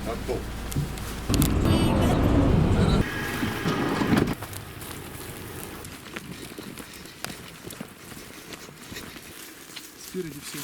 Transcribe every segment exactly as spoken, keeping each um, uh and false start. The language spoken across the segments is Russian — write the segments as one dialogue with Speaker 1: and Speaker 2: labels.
Speaker 1: Готов.
Speaker 2: Спереди все.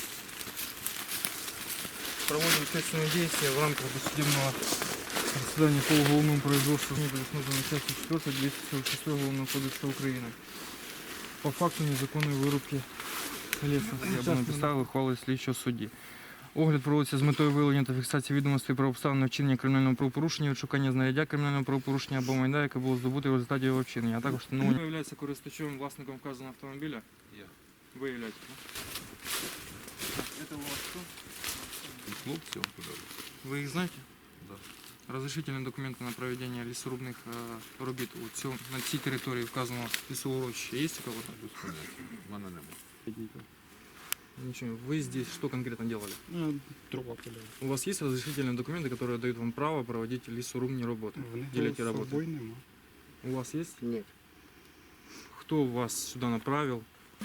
Speaker 2: Проводим следственные действия в рамках досудебного расследования по уголовному производству. Не предусмотрено частью четвёртой двести сорок шестого Уголовного кодекса Украины. По факту незаконної вирубки лісу. Я б написав ухвали слідчого судді. Огляд проводиться з метою виявлення та фіксації відомостей про обставини вчинення кримінального правопорушення, відшукання знаряддя кримінального правопорушення або майна, яке було здобуте в результаті його вчинення, а також встановлення. Ви являєтеся користувачем, власником вказаного автомобіля?
Speaker 1: Я.
Speaker 2: Ви являєтесь, так? Це у вас хто?
Speaker 1: Хлопці вам подали.
Speaker 2: Ви їх знаєте?
Speaker 1: Да.
Speaker 2: Разрешительные документы на проведение лесорубных э, робіт у цьому, на цій території вказаного лісоурочища є у кого-то?
Speaker 1: Без поняття. В мене немає.
Speaker 2: Ничего. Вы здесь что конкретно делали?
Speaker 3: Дрова пиляли.
Speaker 2: У вас есть разрешительные документы, которые дают вам право проводить лесорубные работы? Или эти
Speaker 3: з
Speaker 2: работы?
Speaker 3: собою нема.
Speaker 2: У вас есть?
Speaker 4: Нет.
Speaker 2: Кто вас сюда направил?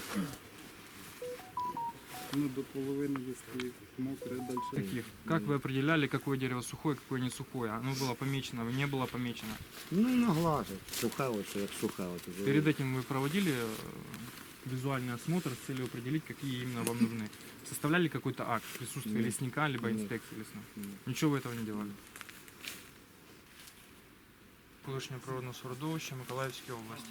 Speaker 3: Ну, до половини листів, мокре, далі.
Speaker 2: Каких? Как вы определяли, какое дерево сухое, какое не сухое? Оно было помечено, не было помечено.
Speaker 4: Ну, наглаживать. Суха оце, як суха оце.
Speaker 2: Перед этим вы проводили э, визуальный осмотр с целью определить, какие именно вам нужны. Составляли какой-то акт присутствия
Speaker 4: Нет.
Speaker 2: лесника, либо
Speaker 4: Нет.
Speaker 2: инспекции лесной?
Speaker 4: Нет.
Speaker 2: Ничего вы этого не делали? Колишнє природне середовище Миколаївської області.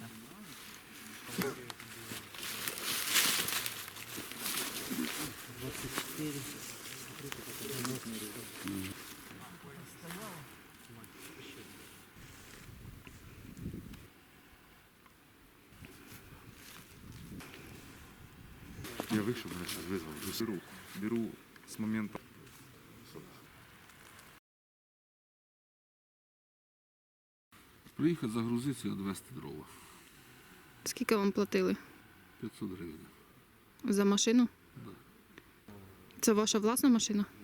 Speaker 1: Я вийшов, мене зараз визвав. Беру, беру з моменту. Приїхати загрузитися і відвезти дрова.
Speaker 5: Скільки вам платили
Speaker 1: п'ятсот гривень.
Speaker 5: за машину?
Speaker 1: Да.
Speaker 5: Це ваша власна машина?